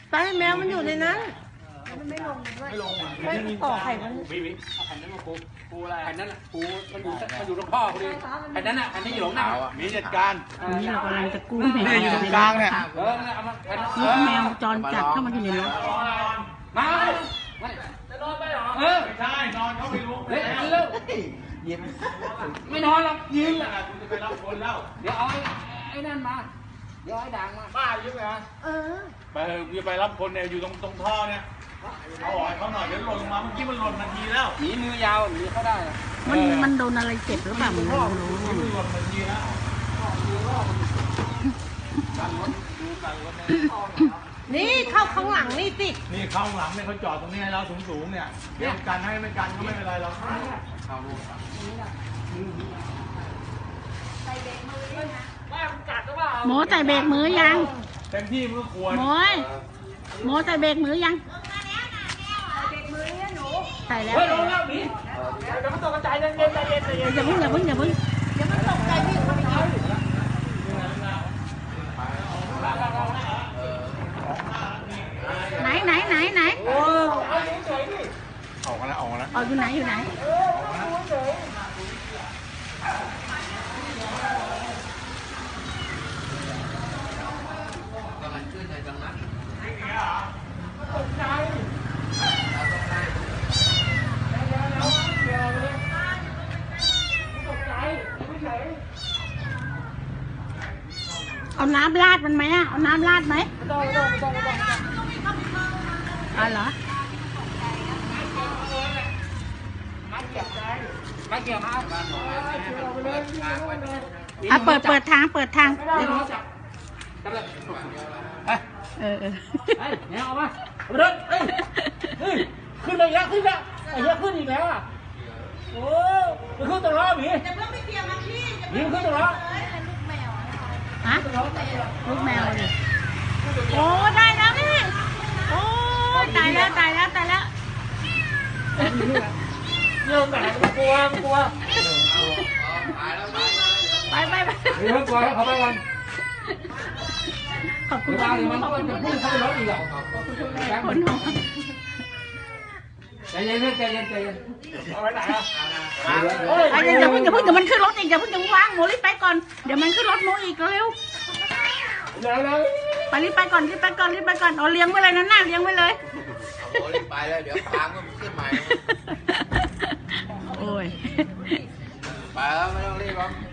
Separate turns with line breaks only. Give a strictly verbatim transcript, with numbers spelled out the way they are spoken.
ไปแมวมันอยู่ในนั้นมันไม่ลงด้วยไม่ลงไม่ต่อไข่มัน
วิวิเอาแผ่นนั้นมาปูปูอะไรแผ่นนั้นปูมันอยู่มันอยู่ตรงพ่อพอดีแผ่นนั้นอ่ะแผ่นนี้อยู่ตรงหน้ามีจัดการ
นี่เรากำลังจะกู้แมว
อยู่ตรงกลางเนี่ยเออเอามา
ลูกแมวจรจัดเข้ามาอยู่ในรถ
มาจะนอนไปหรอเออไม่ใช่นอนเขาไม่รู้เฮ้ยเร็วยิ้มไม่นอนหรอกยิ้มอ่ะคุณจะไปรับคนแล้วเดี๋ยวเอาไอ้นั่นมาเดี๋ยวไอ้ด่างมาป้ายิ้มเหรอเออไปจะไปรับคนเนี่ยอยู่ตรงตรงท่อเนี่ยเอาอ่อยเขาหน่อยเดี๋ยวหล่นลงมาเมื่อกี้มันหล่นนาทีแล้วหนีมือยาวหนีเขาได้
มันมันโดนอะไรเจ็บหรือเปล่ามันไม่รู้ไง
นี่เข้าข้างหลังนี่สิ
นี่เข้าข้างหลังเนี่ยเขาจอดตรงนี้ให้เราสูงสูงเนี่ยเดี๋ยวกันให้ไม่กันก็ไม่เป็นไรเราเข้าลูก
ใส่เบรกมือยังโมใส่เบรกมือยัง
เต็มที่มือควร
โมยโมใส่เบรกมือยังใส่แล้ว
เฮ้ยลงแล้วหนีเดี๋ยวมันตกกระจายเย็นเย็นเย็นเย็น
อย่าพึ่งอย่าพึ่งอย่าพึ่ง
เดี๋ยวมันตกใจพี่เขาไม่
ไหนไหนไหนไหน
โอ้ออกมาแล้วออกมาแล้ว
ออกอยู่ไหนอยู่ไหนเอาน้ำราดมันไหมอ่ะเอาน้ำราดไหมไม่ต้องไม่ต้องไม่ต้องไม่ต้องอ๋อเหรอมาเกี่ยวใจมาเกี่ยวมาอ่ะเปิดเปิดทางเปิดทางเออเออ
เฮ้ยเนี่ยเอามาเอาไปเลยเฮ้ยเฮ้ยขึ้นไปแล้วขึ้นแล้วไอ้เหี้ยขึ้นอีกแล้วอ่ะโอ้มันขึ้นตรงล้อหมีจะเพิ่งไปเกี่ยวมาพี่หมีขึ้นตรงล้อ
ฮะลูกแมวเลยโอ้ได้แล้วพี่โอ้ตายแล้วตายแล้วตายแล้ว
เริ่มแต่กลัวกลัว
ไปไปไป
เริ่มกลัวแล้วเขาไปกัน
ขอบคุณ
มากเลยมันต้องเป็นผู้เข้ารถอีกอ่ะ
คนหัว
ใจเย็นใจเย็นใจเย็นเอาไปไหนอ่ะ
อย่าเพิ่งอย่าเพิ่งเดี๋ยวมันขึ้นรถอีกอย่าเพิ่งจะวางโมรีบไปก่อนเดี๋ยวมันขึ้นรถโมอีกเร็วไปรีบไปก่อนรีบไปก่อนรีบไปก่อนเอาเลี้ยงไว้เลยนั่นน่ะเลี้ยงไว้เลย
เอารีบไปเลยเดี๋ยวปางก็ขึ้นใหม่
โอ้ย
ไปแล้วไม่ต้องรีบหรอก